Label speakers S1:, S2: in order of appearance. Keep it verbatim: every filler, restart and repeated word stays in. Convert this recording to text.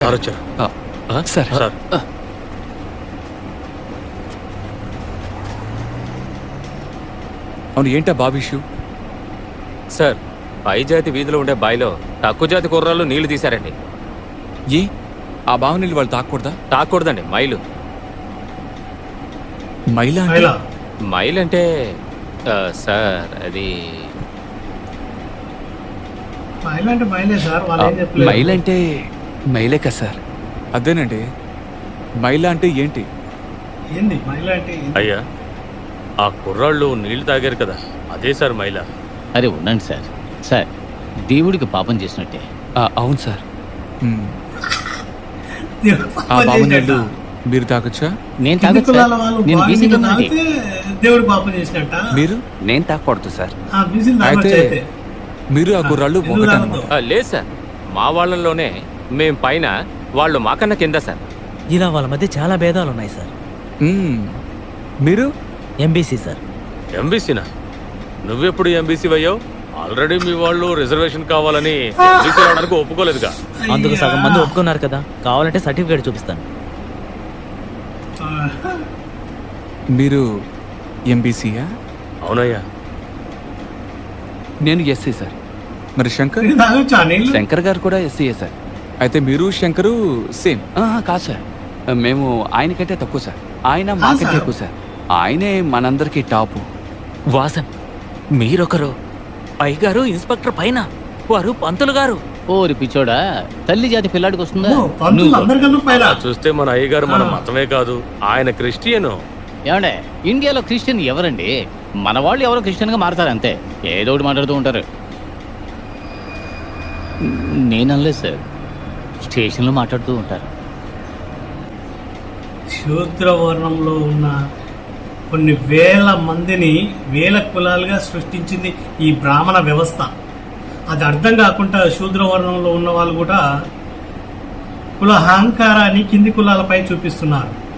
S1: Sir sir
S2: అవును, ఏంటా బాబు issue?
S1: Sir, పై జాతి వీధిలో ఉండే బాయిలో తక్కువ జాతి కుర్రాళ్ళు నీళ్లు తీశారండి.
S2: ఏ ఆ బావ నీళ్ళు వాళ్ళు తాకూడదా?
S1: తాకూడదండి, మైలు.
S2: మైలా అంటే?
S1: మైల్ అంటే ఆ, సార్ అది
S3: మైల్ అంటే మైలే కదా సార్.
S2: అదేనండి, మైలా అంటే ఏంటి?
S4: ఏంది మైలా అంటే?
S5: అయ్యా, ఆ కుర్రాళ్ళు నీళ్లు తాగారు కదా, అదే సార్ మైలా.
S6: అరే ఉండండి సార్. సార్, దేవుడికి పాపం చేసినట్టే.
S3: ఆ, అవును సార్.
S2: మ్మ్. ఆ బావ నీళ్ళు మీరు తాగొచ్చా?
S6: నేను
S4: కింది
S6: తాగొచ్చు
S4: కులాల
S6: సార్.
S4: వాళ్ళు
S6: నేను
S4: బాగా
S6: బీసీ
S4: నీళ్ళు
S6: కమ్యూనిటీ.
S4: తాగితే దేవుడు పాపం చేసినట్ట.
S2: మీరు?
S3: నేను తాగకూడదు సార్.
S4: ఆ, బీసీలు తాగొచ్చు
S2: అయితే
S4: అయితే.
S2: మీరు ఆ కుర్రాళ్ళు
S4: ఎందుకు
S2: ఒకటన్నమాట.
S4: తాగొద్దు?
S1: ఆ, లేదు సార్, మా వాళ్ళలోనే మేం పైన, వాళ్ళు మాకన్నా కింద సార్.
S7: ఇలా వాళ్ళ మధ్య చాలా భేదాలు ఉన్నాయి సార్.
S2: మ్మ్. మీరు?
S7: MBC sir.
S5: ఎంబీసీనా? నువ్వెప్పుడు ఎంబీసీ అయ్యావు? ఆల్రెడీ మీ వాళ్ళు రిజర్వేషన్ కావాలని ఎంబీసీ రావడానికి ఒప్పుకోలేదుగా.
S7: అందుకు సగం మంది ఒప్పుకున్నారు కదా, కావాలంటే సర్టిఫికేట్ చూపిస్తాను.
S2: మీరు ఎంబీసీయా?
S5: అవునయ్యా.
S3: నేను ఎస్సీ సార్.
S2: మరి శంకర్?
S4: ఇది తాగొచ్చా నీళ్ళు?
S3: శంకర్ గారు కూడా ఎస్సీయే సార్.
S2: అయితే మీరు శంకరు సేమ్?
S3: ఆహా, కాదు సార్, మేము ఆయనకంటే తక్కువ సార్. ఆయన మాకంటే ఎక్కువ సార్. ఆయనే మనందరికీ టాపు.
S7: వాసన్ మీరొకరు, పైగారు ఇన్స్పెక్టర్ పైన, వారు పంతులు గారు.
S6: ఓరి పిచ్చోడా, తల్లి జాతి పిల్లాడికి వస్తుందా?
S4: ఓ, పంతులు
S6: నువ్వు
S4: అందరికన్నా పైన.
S5: అలా చూస్తే మన అయ్యగారు మన మతమే కాదు, ఆయన క్రిస్టియను.
S6: ఏమండే, ఇండియాలో క్రిస్టియన్ ఎవరండి? మన వాళ్ళు ఎవరో క్రిస్టియన్గా మారుతారు అంతే. ఏదో ఒకటి మాట్లాడుతూ ఉంటారు. నేను అనలేదు సార్, స్టేషన్లో మాట్లాడుతూ ఉంటారు.
S4: శూద్ర వర్ణంలో ఉన్న కొన్ని వేల మందిని వేల కులాలుగా సృష్టించింది ఈ బ్రాహ్మణ వ్యవస్థ. అది అర్థం కాకుండా శూద్ర వర్ణంలో ఉన్న వాళ్ళు కూడా కుల అహంకారాన్ని కింది కులాలపై చూపిస్తున్నారు.